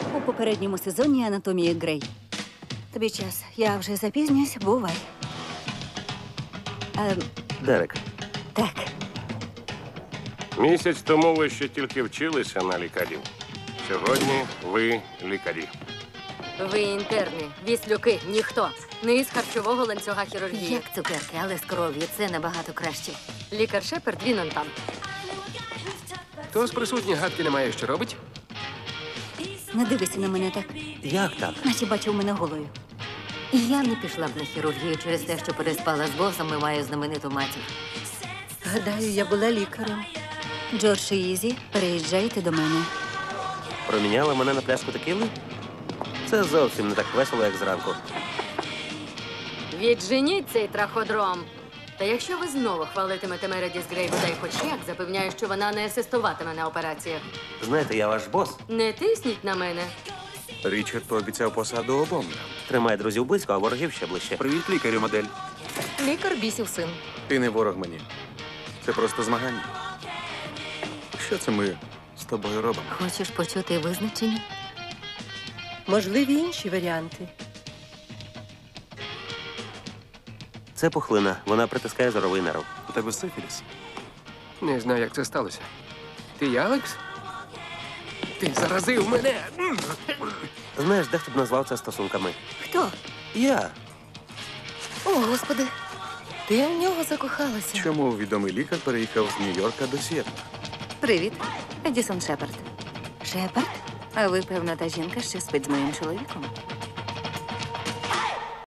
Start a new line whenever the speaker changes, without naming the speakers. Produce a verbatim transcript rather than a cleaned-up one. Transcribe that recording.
у попередньому сезоні «Анатомії Грей». Тобі час. Я вже запізнююсь. Бувай. Ем,
Дерек,
так.
Місяць тому ви ще тільки вчилися на лікарів. Сьогодні ви лікарі.
Ви інтерни, віслюки, ніхто. Не із харчового ланцюга хірургії.
Як цукерки, але з кров'ю. Це набагато краще.
Лікар Шепард, він он там.
Хто з присутніх гадки не має, що робить?
Не дивися на мене так,
як так?
наче бачив мене голою.
І я не пішла б на хірургію через те, що переспала з босом і маю знамениту матір.
Гадаю, я була лікарем. Джордж і Ізі, переїжджайте до мене.
Проміняли мене на пляшку текіли? Це зовсім не так весело, як зранку.
Відженіть цей траходром. Та якщо ви знову хвалитимете Мередіс Грей бодай хоч як, запевняю, що вона не асистуватиме на операціях.
Знаєте, я ваш бос.
Не тисніть на мене.
Річард пообіцяв посаду обом нам.
Тримає друзів близько, а ворогів ще ближче.
Привіт, лікарю, модель.
Лікар бісів син.
Ти не ворог мені. Це просто змагання. Що це ми з тобою робимо?
Хочеш почути визначення?
Можливі інші варіанти.
Це пухлина. Вона притискає зоровий нерв.
У тебе сифіліс?
Не знаю, як це сталося. Ти Алекс? Ти заразив мене!
Знаєш, дехто б назвав це стосунками.
Хто?
Я.
О, Господи, ти в нього закохалася.
Чому відомий лікар переїхав з Нью-Йорка до Сіетла?
Привіт, Едісон Шепард. Шепард? А ви, певно, та жінка, що спить з моїм чоловіком?